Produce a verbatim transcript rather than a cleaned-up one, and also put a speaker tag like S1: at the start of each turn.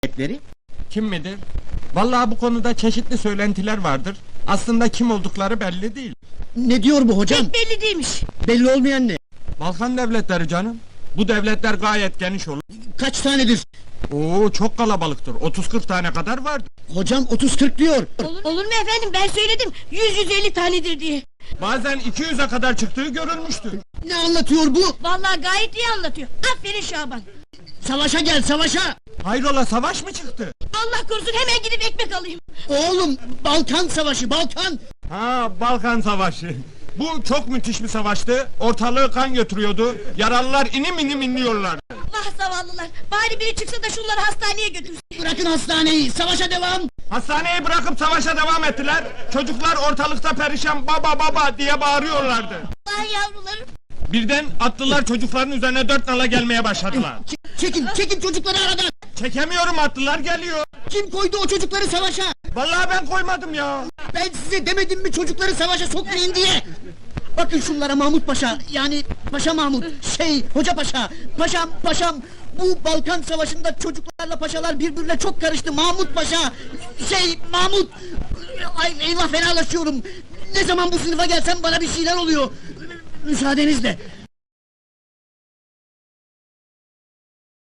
S1: Hepleri?
S2: Kim midir? Vallahi bu konuda çeşitli söylentiler vardır. Aslında kim oldukları belli değil.
S1: Ne diyor bu hocam?
S3: Pek belli değilmiş.
S1: Belli olmayan ne?
S2: Balkan devletleri canım. Bu devletler gayet geniş olur.
S1: Kaç tanedir?
S2: Oo, çok kalabalıktır. otuz kırk tane kadar vardır.
S1: Hocam otuz kırk diyor.
S3: Olur, olur mu efendim, ben söyledim yüz yüz elli tanedir diye.
S2: Bazen iki yüze kadar çıktığı görülmüştür.
S1: Ne anlatıyor bu?
S3: Vallahi gayet iyi anlatıyor. Aferin Şaban.
S1: Savaşa gel, savaşa!
S2: Hayrola, savaş mı çıktı?
S3: Allah korusun, hemen gidip ekmek alayım.
S1: Oğlum, Balkan savaşı, Balkan!
S2: Ha, Balkan Savaşı. Bu çok müthiş bir savaştı. Ortalığı kan götürüyordu. Yaralılar inim inim inliyorlar.
S3: Vah zavallılar, bari biri çıksa da şunları hastaneye götürsün.
S1: Bırakın hastaneyi, savaşa devam!
S2: Hastaneyi bırakıp savaşa devam ettiler. Çocuklar ortalıkta perişan baba baba diye bağırıyorlardı.
S3: Vah yavrularım.
S2: Birden atlılar çocukların üzerine dört nala gelmeye başladılar.
S1: Ç- çekin, çekin çocukları aradan!
S2: Çekemiyorum, atlılar geliyor.
S1: Kim koydu o çocukları savaşa?
S2: Vallahi ben koymadım ya.
S1: Ben size demedim mi çocukları savaşa sokmayın diye? Bakın şunlara Mahmut Paşa, yani Paşa Mahmut, şey, Hoca Paşa, Paşam, Paşam... Bu Balkan Savaşı'nda çocuklarla paşalar birbirine çok karıştı, Mahmut Paşa! Şey, Mahmut! Ay eyvah, fenalaşıyorum! Ne zaman bu sınıfa gelsem bana bir şeyler oluyor! Müsaadenizle!